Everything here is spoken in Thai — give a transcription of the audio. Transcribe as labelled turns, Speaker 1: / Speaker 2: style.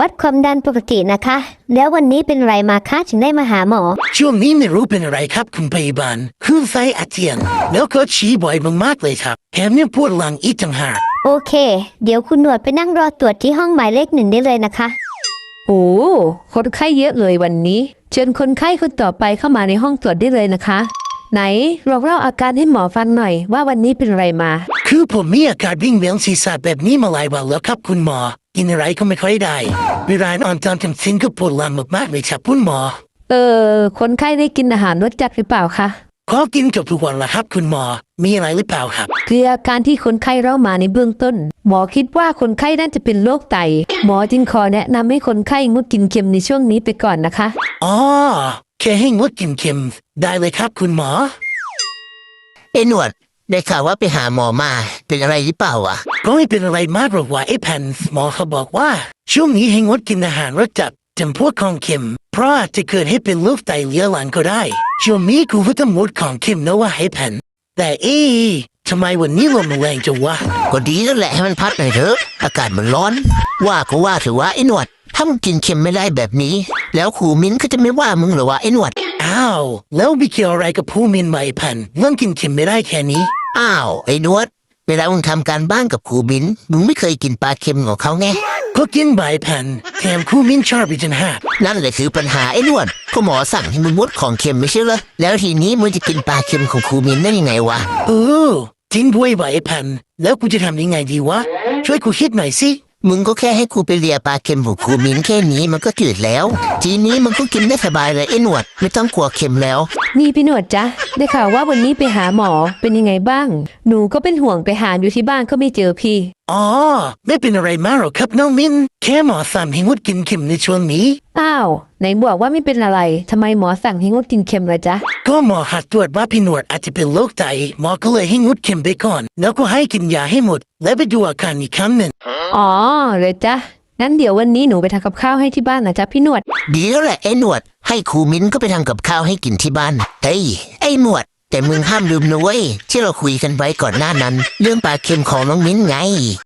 Speaker 1: วัดความดันปกตินะคะแล้ววันนี้เป็นไรมาคะถึงได้มาหาหมอ
Speaker 2: ช่วงนี้ไม่รู้เป็นอะไรครับคุณพยาบาลคลื่นไส้อาเจียนแล้วก็ฉี่บ่อยมากๆเลยครับแถมยังปวดหลังอีกต่างหาก
Speaker 1: โอเคเดี๋ยวคุณหนวดไปนั่งรอตรวจที่ห้องหมายเลข 1ได้เลยนะคะ
Speaker 3: โอ้คนไข้เยอะเลยวันนี้เชิญคนไข้คนต่อไปเข้ามาในห้องตรวจได้เลยนะคะไหนเล่าอาการให้หมอฟังหน่อยว่าวันนี้เป็นอะไรมา
Speaker 2: คือผมมีอาการวิ่งเวียนศีรษะแบบนี้มาหลายวันแล้วครับคุณหมอกินอะไรก็ไม่ค่อยได้เวลานอนตอนกลางคืนก็ปวดหลังมากๆเลยครับคุณหมอ
Speaker 3: คนไข้ได้กินอาหารรสจัดหรือเปล่าคะ
Speaker 2: ขอกินกับทุกวันละครับคุณหมอมีอะไรหรือเปล่าครับ
Speaker 3: คืออาการที่คนไข้เล่ามาในเบื้องต้นหมอคิดว่าคนไข้น่าจะเป็นโรคไตหมอจึงขอแนะนำให้คนไข้งดกินเค็มในช่วงนี้ไปก่อนนะคะ
Speaker 2: อ๋อแค่ให้งดกินเค็มได้เลยครับคุณหมอ
Speaker 4: หนวดได้ข่าวว่าไปหาหมอมาเป็นอะไรหรือเปล่าอ่ะ
Speaker 2: ก็ไม่เป็นอะไรมากหรอกว่าแผ่นหมอเขาบอกว่าช่วงนี้ให้งดกินอาหารรสจัดจำพวกของเค็มเพราะอาจจะเกิดให้เป็นโรคไตเรื้อรังก็ได้ช่วงนี้กูก็ต้องงดของเค็มนะว่าให้แผ่นแต่ทำไมวันนี้ลมมันแรงจังวะ
Speaker 4: ก็ดีแล้วแหละให้มันพัดหน่อยเถอะอากาศมันร้อนว่าก็ว่าถือว่าหนวดถ้ามึงกินเค็มไม่ได้แบบนี้แล้วครูมิ้นก็จะไม่ว่ามึงหรอวะหนวด
Speaker 2: อ้าวแล้วมีเกี่ยวอะไรกับผู้มินไหมแผ่นเรื่องกินเค็มไม่ได้แค่นี้
Speaker 4: อ้าวหนวดเวลามึงทำการบ้านกับครูมิ้นมึงไม่เคยกินปลาเค็มของเขาไง
Speaker 2: ก็กินใบแผ่นแถมคู่มิ้นชอบอีกจนหาก
Speaker 4: นั่นแหละคือปัญหาหนวดก็หมอสั่งให้มึงงดของเค็มไม่ใช่เหรอแล้วทีนี้มึงจะกินปลาเค็มของครูมิ้นได้ยังไงวะ
Speaker 2: จริงด้วยใบแผ่นแล้วกูจะทำยังไงดีวะช่วยกูคิดหน่อยสิ
Speaker 4: มึงก็แค่ให้ครูไปเลียปลาเค็มของครูมิ้นแค่นี้มันก็จืดแล้วทีนี้มึงก็กินได้สบายเลยหนวดไม่ต้องกลัวเค็มแล้ว
Speaker 3: นี่พี่หนวดจ๊ะได้ข่าวว่าวันนี้ไปหาหมอเป็นยังไงบ้างหนูก็เป็นห่วงไปหาอยู่ที่บ้านก็ไม่เจอพี่
Speaker 2: อ๋อไม่เป็นอะไรมากหรอกครับน้องมิ้นแค่หมอสั่งให้งดกินเค็มในช่วงนี้
Speaker 3: อ้าวไหนบอกว่าไม่เป็นอะไรทำไมหมอสั่งให้งดกินเค็มล่ะจ๊ะ
Speaker 2: ก็หมอหัดตรวจว่าพี่หนวดอาจจะเป็นโรคไตหมอก็เลยให้งดเค็มไปก่อนแล้วก็ให้กินยาให้หมดและไปดูอาการอีกครั้งหนึ่ง
Speaker 3: อ๋อเลยจ๊ะงั้นเดี๋ยววันนี้หนูไปทำกับข้าวให้ที่บ้านนะจ๊ะพี่หนวด
Speaker 4: ดีแล้วแหละหนวดให้ครูมิ้นก็ไปทำกับข้าวให้กินที่บ้านเฮ้ยหนวดแต่มึงห้ามลืมนะเว้ยที่เราคุยกันไว้ก่อนหน้านั้นเรื่องปลาเค็มของน้องมิ้นไง